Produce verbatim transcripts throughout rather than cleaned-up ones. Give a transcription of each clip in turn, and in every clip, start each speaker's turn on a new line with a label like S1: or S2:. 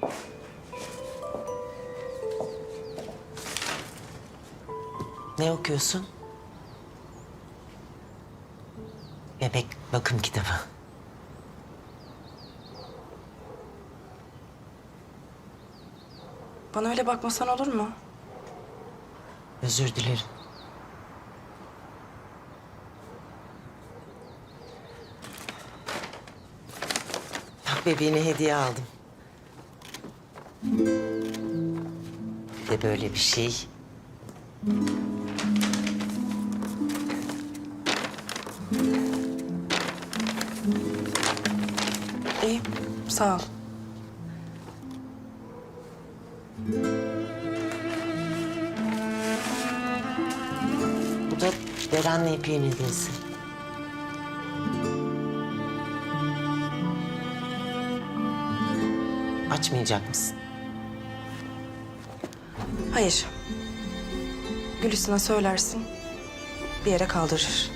S1: Ne okuyorsun? Bebek bakım kitabı.
S2: Bana öyle bakmasan olur mu?
S1: Özür dilerim. Bak bebeğine hediye aldım. Bir de böyle bir şey.
S2: İyi, sağ ol.
S1: Bu da Beren'le İpek'in hediyesi. Açmayacak mısın?
S2: Hayır. Gülistan'a söylersin, bir yere kaldırır.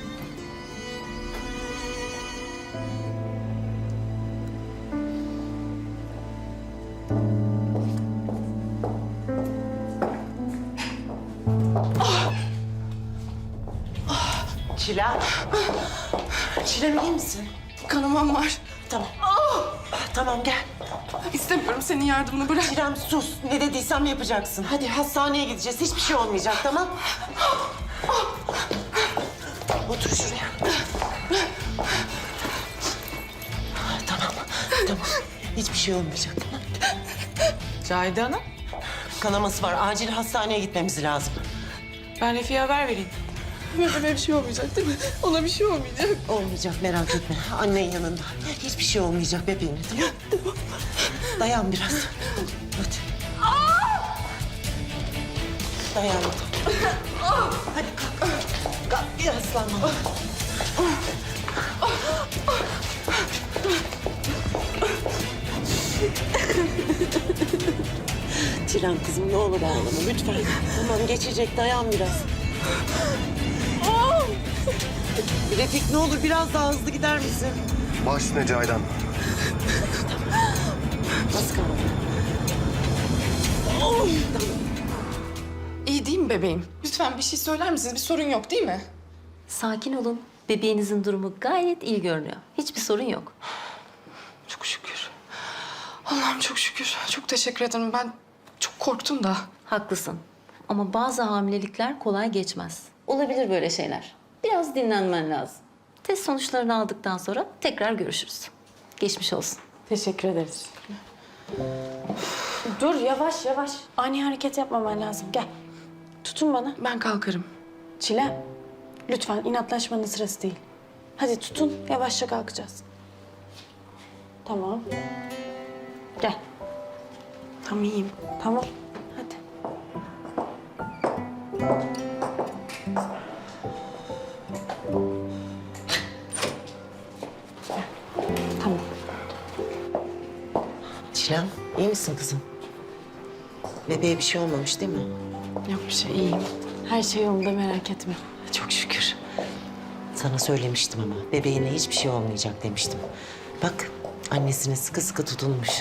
S1: Çilem. Çilem iyi misin?
S2: Kanamam var.
S1: Tamam. Tamam gel.
S2: İstemiyorum senin yardımını, bırak.
S1: Çilem sus. Ne dediysem yapacaksın. Hadi hastaneye gideceğiz. Hiçbir şey olmayacak tamam? Otur şuraya. Tamam. Tamam. Hiçbir şey olmayacak tamam.
S3: Cahide Hanım,
S1: Kanaması var. Acil hastaneye gitmemiz lazım.
S3: ben Refik'e haber vereyim.
S2: Bebeğime bir şey olmayacak değil mi? Ona bir şey olmayacak.
S1: Olmayacak merak etme. Annen yanında. Hiçbir şey olmayacak bebeğine tamam. Dayan biraz. Hadi. Dayan. Hadi kalk. Kalk bir aslanma. Çilem kızım ne olur ağlama lütfen. Tamam geçecek dayan biraz. Refik ne olur biraz daha hızlı gider misin?
S4: Baş üstüne Cahidan.
S1: Az kaldı.
S2: İyi değil mi bebeğim? Lütfen bir şey söyler misiniz? Bir sorun yok değil mi?
S5: Sakin olun. Bebeğinizin durumu gayet iyi görünüyor. Hiçbir sorun yok.
S2: Çok şükür. Allah'ım çok şükür. Çok teşekkür ederim. Ben çok korktum da.
S5: Haklısın. Ama bazı hamilelikler kolay geçmez. Olabilir böyle şeyler. Biraz dinlenmen lazım. Test sonuçlarını aldıktan sonra tekrar görüşürüz. Geçmiş olsun.
S6: Teşekkür ederiz. Dur yavaş yavaş. Ani hareket yapmaman lazım. Gel. Tutun bana.
S2: Ben kalkarım.
S6: Çilem. Lütfen inatlaşmanın sırası değil. Hadi tutun. Yavaşça kalkacağız. Tamam. Gel.
S2: Tam iyiyim.
S6: Tamam. Hadi. Tamam.
S1: Çilem iyi misin kızım? Bebeğe bir şey olmamış değil mi?
S6: Yok bir şey, iyiyim. Her şey yolunda, merak etme.
S1: Çok şükür. Sana söylemiştim ama bebeğine hiçbir şey olmayacak demiştim. Bak annesine sıkı sıkı tutunmuş.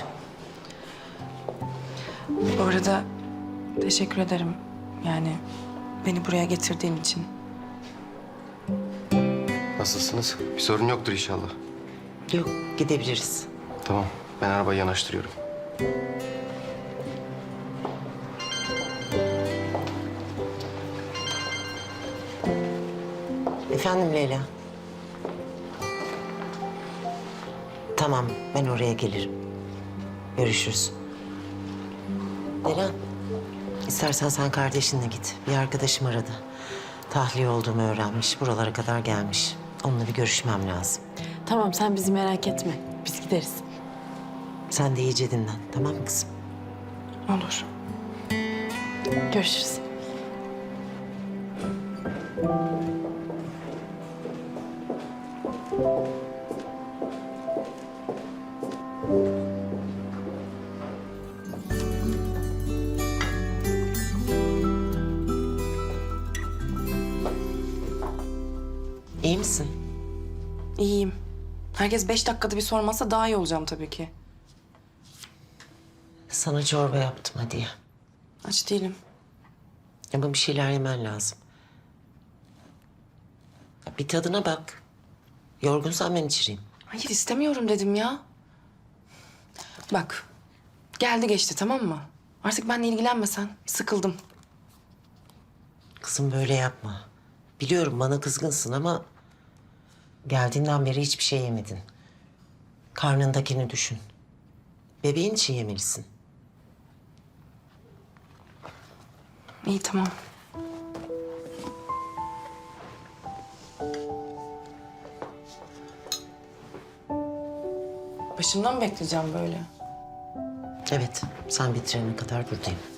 S2: Bu arada teşekkür ederim. Yani beni buraya getirdiğin için.
S4: Nasılsınız? Bir sorun yoktur inşallah.
S1: Yok gidebiliriz.
S4: Tamam. Ben arabayı yanaştırıyorum.
S1: Efendim Leyla. Tamam ben oraya gelirim. Görüşürüz. Leyla istersen sen kardeşinle git. Bir arkadaşım aradı. Tahliye olduğumu öğrenmiş. Buralara kadar gelmiş. Onunla bir görüşmem lazım.
S6: Tamam, sen bizi merak etme. Biz gideriz.
S1: Sen de iyice dinlen tamam mı kızım?
S2: Olur.
S6: Görüşürüz.
S1: İyi misin?
S2: İyiyim. Herkes beş dakikada bir sormazsa daha iyi olacağım tabii ki.
S1: Sana çorba yaptım hadi ye.
S2: Aç değilim.
S1: Ama bir şeyler yemen lazım. Ya bir tadına bak. Yorgunsan ben içireyim.
S2: Hayır istemiyorum dedim ya. Bak geldi geçti tamam mı? Artık benimle ilgilenmesen sıkıldım.
S1: Kızım böyle yapma. Biliyorum bana kızgınsın ama... geldiğinden beri hiçbir şey yemedin. Karnındakini düşün. Bebeğin için yemelisin.
S2: İyi tamam. Başımdan mı bekleyeceğim böyle?
S1: Evet, sen bitirene kadar buradayım.